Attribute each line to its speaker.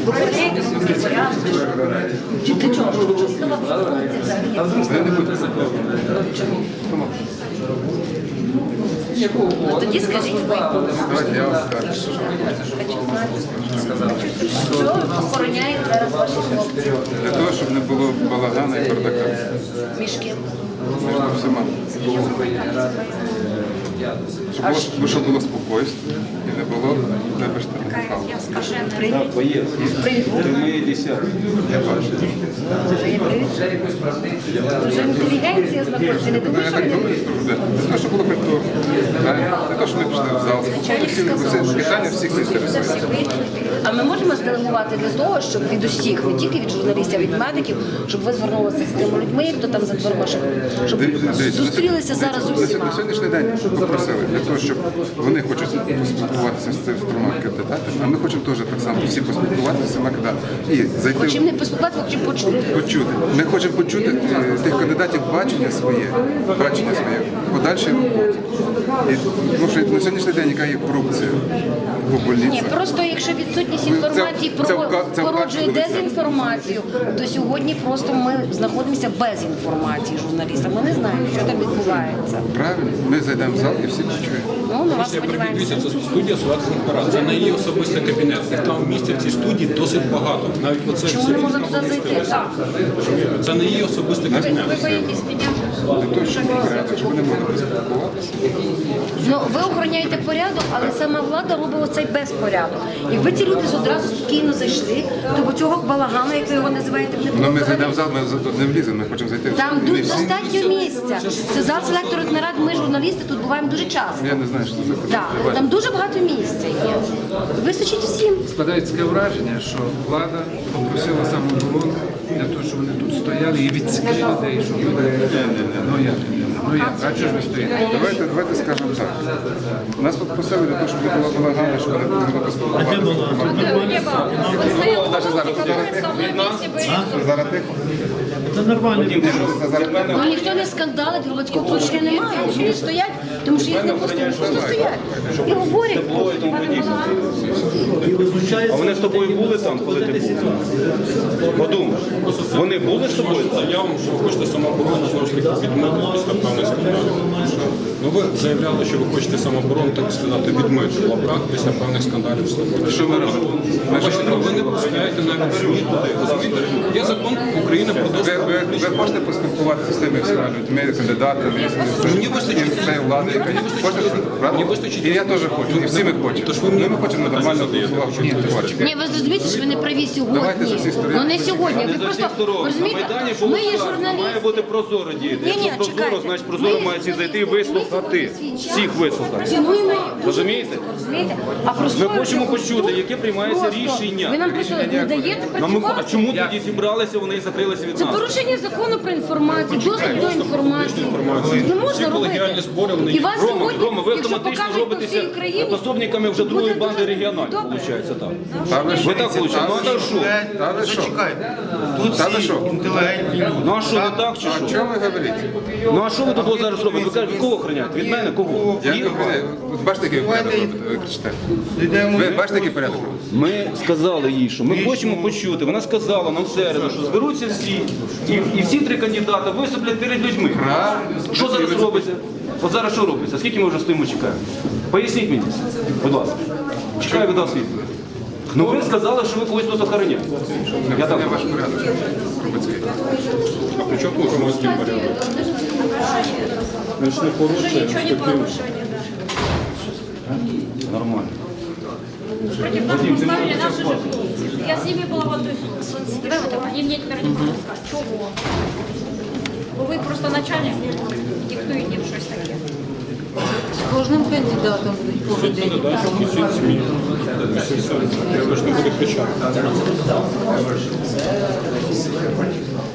Speaker 1: охороняєте свій порядок? Чи для чого? Ну, тоді скажіть ви.
Speaker 2: Давайте я вам скажу.
Speaker 1: Що охороняють зараз ваші хлопці?
Speaker 2: Для того, щоб не було балагану і бардака.
Speaker 1: Між ким?
Speaker 2: Між всіма. Щоб було спокійство і не було небезпеки.
Speaker 1: Привіт.
Speaker 2: Я бачу.
Speaker 1: Дуже інтелігенція знаходиться, не
Speaker 2: Ну,
Speaker 1: думаю,
Speaker 2: я
Speaker 1: що
Speaker 2: так
Speaker 1: ви
Speaker 2: думаю, що буде. Для того, щоб було культурно. Для того, щоб ми пішли в зал. Питання всіх це інтересує.
Speaker 1: А ми можемо зделегувати для того, щоб від усіх, не тільки від журналістів, а від медиків, щоб ви звернулися з тими людьми, хто там за дверима, щоб зустрілися зараз з усіма.
Speaker 2: На сьогоднішній день попросили для того, щоб вони хочуть поспілкуватися з цими трьома кандидатами, а ми хочемо теж так само всі поспілкуватися з цими кандидатами. І зайти
Speaker 1: Хочемо не поспілкуватися, хочемо почути.
Speaker 2: почути. Ми хочемо почути тих кандидатів бачення своє, подальшої роботи. Тому що на сьогоднішній день яка є корупція в больниці.
Speaker 1: Ні, просто якщо відсутність інформації породжує дезінформацію, то сьогодні просто ми знаходимося без інформації журналіста. Ми не знаємо, що там відбувається.
Speaker 2: Правильно, ми зайдемо в зал і всі почуємо.
Speaker 1: Ну, на вас сподіваємося.
Speaker 3: Це студія Солодких парад. Це не її особистий кабінет. Їх там місця в цій студії досить багато. Навіть оце
Speaker 1: Чому не можна туди зайти? Так.
Speaker 3: це не її особистий кабінет.
Speaker 1: Ви боїтесь мене?
Speaker 2: Для того, щоб порядок, щоб вони могли поспілкуватися.
Speaker 1: Ну, ви охороняєте порядок, але сама влада робить оцей безпорядок. Якби ці люди одразу спокійно зайшли, то бо цього балагану, як ви його називаєте, не було.
Speaker 2: Ну, ми зайдемо в зал, ми тут не вліземо, ми хочемо зайти в зал.
Speaker 1: Там
Speaker 2: І не
Speaker 1: тут
Speaker 2: всі.
Speaker 1: достатньо місця. Це зал селекторних нарад, ми журналісти тут буваємо дуже часто.
Speaker 2: Я не знаю, що це за
Speaker 1: Так,
Speaker 2: кандидат.
Speaker 1: там дуже багато місця є. Вистачить всім.
Speaker 4: Складається таке враження, що влада попросила самооборону для того, щоб вони тут стояли і відсікли людей, щоб люди... Ну як, а чого ж ви стоїте?
Speaker 2: Давайте скажемо так. Нас попросили для того, щоб не було балагану, щоб вони могли поспілкуватися. Зараз тихо.
Speaker 5: Це нормально.
Speaker 1: Ну ніхто не скандалить, громадського порушення немає. Вони стоять, тому що їх не пустили, просто стоять. І говорять.
Speaker 6: А вони з тобою були там, коли ти був? Подумай, вони були з тобою?
Speaker 3: Заявам, що ви хочете самооборону, знову ж таки, відмити після певних скандалів. Ну, ви заявляли, що ви хочете самооборону, так сказати, відмити в лапках після певних скандалів в Слободі.
Speaker 2: Що ми робимо?
Speaker 3: Ви не пускаєте навіть ЗМІ туди. Розумієте? Є закон України про доступ.
Speaker 2: Ви хочете поспілкуватися з тими всіма людьми, кандидатами,
Speaker 3: Мені вистачить.
Speaker 2: з цією владою, яка є? Хочете, правда?
Speaker 3: Мені вистачить.
Speaker 2: І я теж хочу, і всі ми хочемо.
Speaker 3: Тож ви мені
Speaker 2: Ми хочемо нормально
Speaker 3: задаєте.
Speaker 2: голосувати.
Speaker 1: Ні, ви зрозумієте, що ви не праві
Speaker 2: Давайте
Speaker 1: сьогодні.
Speaker 2: за всі сторони.
Speaker 1: Ну не сьогодні. Ви
Speaker 6: Не за
Speaker 1: просто
Speaker 6: всіх сторон. На
Speaker 1: розумієте,
Speaker 6: Майдані було
Speaker 1: ми є
Speaker 6: сказано, має
Speaker 1: журналісти.
Speaker 6: бути прозоро діяти.
Speaker 1: Ні-ні,
Speaker 6: Якщо прозоро,
Speaker 1: чекайте.
Speaker 6: значить прозоро
Speaker 1: Ми
Speaker 6: має всі зайти і
Speaker 1: журналісти,
Speaker 6: вислухати.
Speaker 1: ми
Speaker 6: Всіх вислухати.
Speaker 1: Цінуємо.
Speaker 6: Розумієте?
Speaker 1: Розумієте? А
Speaker 6: Ми
Speaker 1: просто
Speaker 6: хочемо почути, яке приймається
Speaker 1: просто.
Speaker 6: рішення.
Speaker 1: Ви нам просто не даєте
Speaker 6: А
Speaker 1: працювати.
Speaker 6: чому тоді зібралися, вони і закрилися від
Speaker 1: Це
Speaker 6: нас?
Speaker 1: порушення закону про інформацію, доступ до інформації. Не можна
Speaker 3: Всі колегіальні
Speaker 1: робити.
Speaker 3: збори, вони
Speaker 1: І вас
Speaker 6: Рома,
Speaker 1: сьогодні,
Speaker 6: ви
Speaker 1: якщо
Speaker 6: автоматично
Speaker 1: покажуть по всій
Speaker 6: робитеся
Speaker 1: Україні,
Speaker 6: пособниками вже другої
Speaker 1: буде
Speaker 6: банди
Speaker 1: дуже
Speaker 6: регіональної,
Speaker 1: добре.
Speaker 6: виходить так.
Speaker 2: Та ви що?
Speaker 6: Ви так хочете? Ну а так що?
Speaker 2: Та ви що?
Speaker 7: Тут
Speaker 2: Та ви
Speaker 7: всі
Speaker 2: що?
Speaker 7: інтелігентні люди.
Speaker 6: Ну а що, не так чи
Speaker 2: А
Speaker 6: що?
Speaker 2: чого ви говорите?
Speaker 6: Ну а що ви тут зараз робите? Ви кажете, кого охороняєте? Від мене кого?
Speaker 2: Я не говорю. От бачите, який порядок робите? Ви кричите. Ви бачите, який порядок робите?
Speaker 6: Ми сказали їй, що ми хочемо почути. Вона сказала нам в середу, що зберуться всі, і всі три кандидати виступлять перед людьми. Що зараз робиться? От зараз що робиться? Скільки ми вже стоїмо, чекаємо? Поясніть мені, будь ласка. Чекаю від вас відповідь. Ну ви сказали, що ви когось тут охороняєте. Я так
Speaker 2: Це ваш порядок. Трубецький.
Speaker 3: А при чому тут громадський порядок? Ми ж не порушуємо статтю.
Speaker 6: нормально.
Speaker 8: Против нас поставили наши же люди. Я с ними была в одной сумке. Они мне теперь не будут сказать, чего. Ви просто начальник, диктуєте щось таке.
Speaker 1: З кожним кандидатом будуть поведені.
Speaker 3: Несіть ЗМІ. Ви ж не буде кричати.